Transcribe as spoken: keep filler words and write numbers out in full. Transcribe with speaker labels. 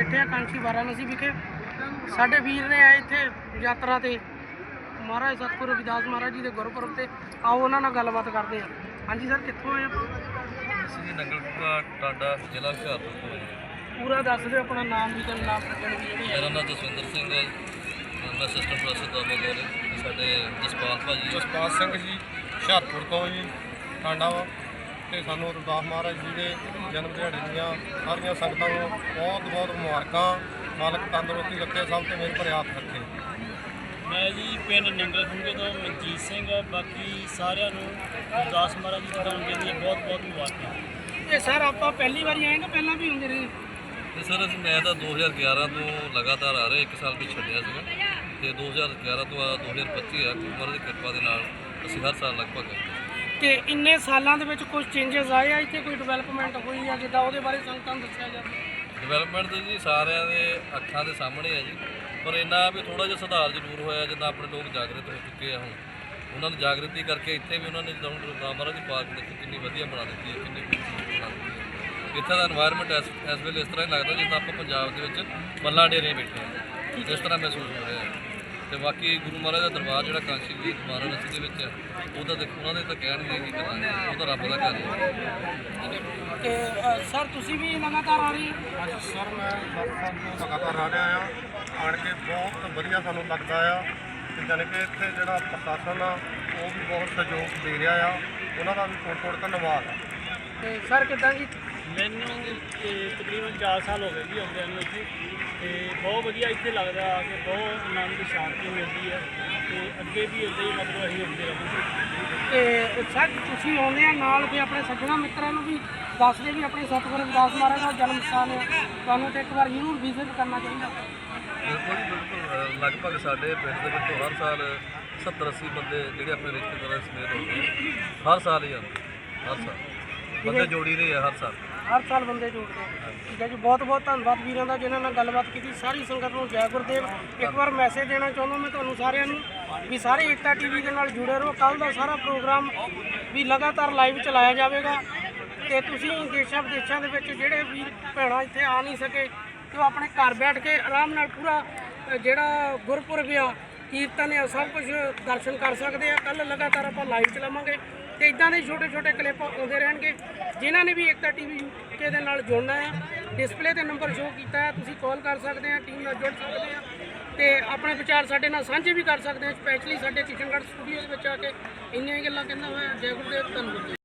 Speaker 1: ਬੈਠੇ ਆ ਕਾਂਸ਼ੀ ਵਾਰਾਣਸੀ ਵਿਖੇ। ਸਾਡੇ ਵੀਰ ਨੇ ਆਏ ਇੱਥੇ ਯਾਤਰਾ ਤੇ ਮਹਾਰਾਜ ਸਤਿਗੁਰੂ ਰਵਿਦਾਸ ਮਹਾਰਾਜ ਜੀ ਦੇ ਗੁਰਪੁਰਬ ਤੇ। ਆਓ ਉਹਨਾਂ ਨਾਲ ਗੱਲਬਾਤ ਕਰਦੇ ਹਾਂ। ਹਾਂਜੀ ਸਰ, ਕਿੱਥੋਂ ਆਏ ਆਪਾਂ?
Speaker 2: ਅਸੀਂ ਜੀ ਨੰਗਲਪੁਰਾ ਟਾਂਡਾ ਜ਼ਿਲ੍ਹਾ ਹੁਸ਼ਿਆਰਪੁਰ ਤੋਂ ਆਏ।
Speaker 1: ਪੂਰਾ ਦੱਸ ਦਿਓ ਆਪਣਾ ਨਾਮ ਵੀ ਤੇ ਨਾਮ ਲੱਗਣ ਦੀ ਜਿਹੜੀ
Speaker 2: ਮੇਰਾ ਨਾਮ ਜਸਵਿੰਦਰ ਸਿੰਘ ਹੈ। ਮੈਂ ਅਸਿਸਟੈਂਟ ਪ੍ਰੋਫੈਸਰ ਦਾ ਬੋਲ ਸਾਡੇ ਜਸਪਾਲ ਭਾਜੀ
Speaker 3: ਜਸਪਾਲ ਸਿੰਘ ਜੀ ਹੁਸ਼ਿਆਰਪੁਰ ਤੋਂ ਜੀ ਟਾਂਡਾ ਵਾ। ਅਤੇ ਸਾਨੂੰ ਰਵਿਦਾਸ ਮਹਾਰਾਜ ਜੀ ਦੇ ਜਨਮ ਦਿਹਾੜੇ ਦੀਆਂ ਸਾਰੀਆਂ ਸੰਗਤਾਂ ਨੂੰ ਬਹੁਤ ਬਹੁਤ ਮੁਬਾਰਕਾਂ। ਮਾਲਕ ਤੰਦਰੁਸਤੀ ਰੱਖੇ, ਸਭ ਤੇ ਮੇਰੇ ਭਰੇ ਹੱਥ ਰੱਖੇ।
Speaker 4: ਮੈਂ ਜੀ ਪਿੰਡ ਨੰਗਲ ਖੁੰਗੇ ਤੋਂ ਮਨਜੀਤ ਸਿੰਘ। ਬਾਕੀ ਸਾਰਿਆਂ ਨੂੰ ਰਵਿਦਾਸ ਮਹਾਰਾਜ ਜੀ ਦੇ ਜਨਮ ਦਿਨ ਦੀਆਂ ਬਹੁਤ ਬਹੁਤ ਮੁਬਾਰਕਾਂ।
Speaker 1: ਇਹ ਸਰ ਆਪਾਂ ਪਹਿਲੀ ਵਾਰੀ ਆਏ ਕਿ ਪਹਿਲਾਂ ਵੀ ਹੁੰਦੇ ਰਹੇ?
Speaker 2: ਤੇ ਸਰ ਅਸੀਂ ਮੈਂ ਤਾਂ ਦੋ ਹਜ਼ਾਰ ਗਿਆਰਾਂ ਤੋਂ ਲਗਾਤਾਰ ਆ ਰਿਹਾ, ਇੱਕ ਸਾਲ ਵੀ ਛੱਡਿਆ ਸੀਗਾ। ਅਤੇ ਦੋ ਹਜ਼ਾਰ ਗਿਆਰਾਂ ਤੋਂ ਆ ਦੋ ਹਜ਼ਾਰ ਪੱਚੀ ਆ ਗੁਰੂ ਮਹਾਰਾਜ ਦੀ ਕਿਰਪਾ ਦੇ ਨਾਲ ਅਸੀਂ ਹਰ ਸਾਲ ਲਗਭਗ ਆਉਂਦੇ।
Speaker 1: ਤੇ ਇੰਨੇ ਸਾਲਾਂ ਦੇ ਵਿੱਚ ਕੁਝ ਚੇਂਜਸ ਆਏ ਆ ਇੱਥੇ, ਕੋਈ ਡਿਵੈਲਪਮੈਂਟ ਹੋਈ ਆ ਜਿੱਦਾਂ ਉਹਦੇ ਬਾਰੇ ਸੰਗਤਾਂ ਨੂੰ ਦੱਸਿਆ ਜਾਵੇ?
Speaker 2: ਡਿਵੈਲਪਮੈਂਟ ਤਾਂ ਜੀ ਸਾਰਿਆਂ ਦੇ ਅੱਖਾਂ ਦੇ ਸਾਹਮਣੇ ਹੈ ਜੀ, ਪਰ ਇੰਨਾ ਵੀ ਥੋੜ੍ਹਾ ਜਿਹਾ ਸੁਧਾਰ ਜ਼ਰੂਰ ਹੋਇਆ। ਜਿੱਦਾਂ ਆਪਣੇ ਲੋਕ ਜਾਗਰੂਕ ਹੋ ਚੁੱਕੇ ਆ ਹੁਣ, ਉਹਨਾਂ ਨੂੰ ਜਾਗਰਤੀ ਕਰਕੇ ਇੱਥੇ ਵੀ ਉਹਨਾਂ ਨੇ ਜਿੱਦਾਂ ਹੁਣ ਰਵਿਦਾਸ ਮਹਾਰਾਜ ਦੀ ਪਾਰਕ ਦੇਖੋ ਕਿੰਨੀ ਵਧੀਆ ਬਣਾ ਦਿੱਤੀ ਹੈ, ਕਿੰਨੀ ਖੂਬਸੂਰਤ ਬਣਾ ਦਿੱਤੀ ਹੈ। ਇੱਥੇ ਦਾ ਇਨਵਾਇਰਮੈਂਟ ਇਸ ਇਸ ਵੇਲੇ ਇਸ ਤਰ੍ਹਾਂ ਹੀ ਲੱਗਦਾ ਜਿੱਦਾਂ ਆਪਾਂ ਪੰਜਾਬ ਦੇ ਵਿੱਚ ਮੱਲਾਂ ਡੇਰੇ ਬੈਠੇ ਹਾਂ, ਇਸ ਤਰ੍ਹਾਂ ਮਹਿਸੂਸ ਹੋ ਰਿਹਾ ਹੈ। ਅਤੇ ਬਾਕੀ ਗੁਰੂ ਮਹਾਰਾਜ ਦਾ ਦਰਬਾਰ ਜਿਹੜਾ ਕਾਂਸ਼ੀ ਵੀ ਵਾਰਾਣਸੀ ਦੇ ਵਿੱਚ ਹੈ, ਉਹਦਾ ਦੇਖੋ ਉਹਨਾਂ ਦੇ ਤਾਂ ਕਹਿਣਗੇ ਕੀ ਕਰਾਂਗੇ, ਉਹ ਤਾਂ ਰੱਬ ਦਾ ਘਰ ਹੈ।
Speaker 1: ਤੇ ਅ, ਸਰ ਤੁਸੀਂ ਵੀ ਲਗਾਤਾਰ ਆ ਰਹੇ ਹੋ?
Speaker 3: ਅੱਜ ਸਰ ਮੈਂ ਦਸ ਸਾਲ ਤੋਂ ਲਗਾਤਾਰ ਆ ਰਿਹਾ ਆ। ਆਣ ਕੇ ਬਹੁਤ ਵਧੀਆ ਸਾਨੂੰ ਲੱਗਦਾ ਆ। ਅਤੇ ਜਾਣੀ ਕਿ ਇੱਥੇ ਜਿਹੜਾ ਪ੍ਰਸ਼ਾਸਨ ਆ ਉਹ ਵੀ ਬਹੁਤ ਸਹਿਯੋਗ ਦੇ ਰਿਹਾ ਆ, ਉਹਨਾਂ ਦਾ ਵੀ ਥੋੜ੍ਹਾ ਥੋੜ੍ਹਾ ਧੰਨਵਾਦ ਆ।
Speaker 1: ਤੇ ਸਰ ਕਿੱਦਾਂ ਜੀ?
Speaker 4: ਮੈਨੂੰ ਇਹ ਤਕਰੀਬਨ ਚਾਰ ਸਾਲ ਹੋ ਗਏ ਜੀ ਆਉਂਦਿਆਂ ਨੂੰ ਇੱਥੇ। ਅਤੇ ਬਹੁਤ ਵਧੀਆ ਇੱਥੇ ਲੱਗਦਾ ਆ ਕਿ ਬਹੁਤ ਆਨੰਦ ਸ਼ਾਂਤੀ ਮਿਲਦੀ ਹੈ। ਅਤੇ ਅੱਗੇ ਵੀ ਇੱਦਾਂ ਹੀ ਮਤਲਬ ਅਸੀਂ ਹੁੰਦੇ ਰਹਾਂਗੇ।
Speaker 1: ਤੇ ਸਰ ਤੁਸੀਂ ਆਉਂਦੇ ਆ ਨਾਲ ਵੀ ਆਪਣੇ ਸੱਜਣਾ ਮਿੱਤਰਾਂ ਨੂੰ ਵੀ ਦੱਸਦੇ ਵੀ ਆਪਣੇ ਸਤਿਗੁਰੂ ਰਵਿਦਾਸ ਮਹਾਰਾਜ ਦਾ ਜਨਮ ਸਥਾਨ ਹੈ, ਤੁਹਾਨੂੰ ਤੇ ਇੱਕ ਵਾਰ ਜ਼ਰੂਰ ਵਿਜ਼ਿਟ ਕਰਨਾ ਚਾਹੀਦਾ।
Speaker 2: ਬਿਲਕੁਲ ਜੀ ਬਿਲਕੁਲ। ਲਗਭਗ ਸਾਡੇ ਪਿੰਡ ਦੇ ਵਿੱਚੋਂ ਹਰ ਸਾਲ ਸੱਤਰ ਅੱਸੀ ਬੰਦੇ ਜਿਹੜੇ ਆਪਣੇ ਰਿਸ਼ਤੇਦਾਰਾਂ ਸਮੇਤ ਹੁੰਦੇ ਆ, ਹਰ ਸਾਲ ਹੀ ਆਉਂਦੇ, ਹਰ ਸਾਲ ਬੰਦੇ ਜੋੜੀ ਰਹੇ ਆ ਹਰ ਸਾਲ
Speaker 1: ਹਰ ਸਾਲ ਬੰਦੇ ਜੁੜਦੇ ਆ। ਠੀਕ ਹੈ ਜੀ, ਬਹੁਤ ਬਹੁਤ ਧੰਨਵਾਦ ਵੀਰਾਂ ਦਾ ਜਿਨ੍ਹਾਂ ਨਾਲ ਗੱਲਬਾਤ ਕੀਤੀ। ਸਾਰੀ ਸੰਗਤ ਨੂੰ ਜੈ ਗੁਰਦੇਵ। ਇੱਕ ਵਾਰ ਮੈਸੇਜ ਦੇਣਾ ਚਾਹੁੰਦਾ ਮੈਂ ਤੁਹਾਨੂੰ ਸਾਰਿਆਂ ਨੂੰ ਵੀ ਸਾਰੇ ਏਕਤਾ ਟੀਵੀ ਦੇ ਨਾਲ ਜੁੜੇ ਰਹੋ। ਕੱਲ੍ਹ ਦਾ ਸਾਰਾ ਪ੍ਰੋਗਰਾਮ ਵੀ ਲਗਾਤਾਰ ਲਾਈਵ ਚਲਾਇਆ ਜਾਵੇਗਾ। ਅਤੇ ਤੁਸੀਂ ਦੇਸ਼ਾਂ ਵਿਦੇਸ਼ਾਂ ਦੇ ਵਿੱਚ ਜਿਹੜੇ ਵੀਰ ਭੈਣਾਂ ਇੱਥੇ ਆ ਨਹੀਂ ਸਕੇ, ਤੇ ਉਹ ਆਪਣੇ ਘਰ ਬੈਠ ਕੇ ਆਰਾਮ ਨਾਲ ਪੂਰਾ ਜਿਹੜਾ ਗੁਰਪੁਰਬ ਆ, ਕੀਰਤਨ ਆ, ਸਭ ਕੁਝ ਦਰਸ਼ਨ ਕਰ ਸਕਦੇ ਆ। ਕੱਲ੍ਹ ਲਗਾਤਾਰ ਆਪਾਂ ਲਾਈਵ ਚਲਾਵਾਂਗੇ ਅਤੇ ਇੱਦਾਂ ਦੇ ਛੋਟੇ ਛੋਟੇ ਕਲਿੱਪ ਆਉਂਦੇ ਰਹਿਣਗੇ। ਜਿਨ੍ਹਾਂ ਨੇ ਵੀ ਏਕਤਾ ਟੀਵੀ ਯੂਕੇ ਦੇ ਨਾਲ ਜੁੜਨਾ ਹੈ, ਡਿਸਪਲੇ 'ਤੇ ਨੰਬਰ ਸ਼ੋਅ ਕੀਤਾ ਹੈ, ਤੁਸੀਂ ਕਾਲ ਕਰ ਸਕਦੇ ਆ, ਟੀਮ ਨਾਲ ਜੁੜ ਸਕਦੇ ਆ ਅਤੇ ਆਪਣੇ ਵਿਚਾਰ ਸਾਡੇ ਨਾਲ ਸਾਂਝੇ ਵੀ ਕਰ ਸਕਦੇ ਆ। ਸਪੈਸ਼ਲੀ ਸਾਡੇ ਕਿਸ਼ਨਗੜ੍ਹ ਸਟੂਡੀਓ ਦੇ ਵਿੱਚ ਆ ਕੇ ਇੰਨੀਆਂ ਗੱਲਾਂ ਕਹਿੰਦਾ ਹੋਇਆ। ਜੈ ਗੁਰਦੇਵ, ਧੰਨਵਾਦ।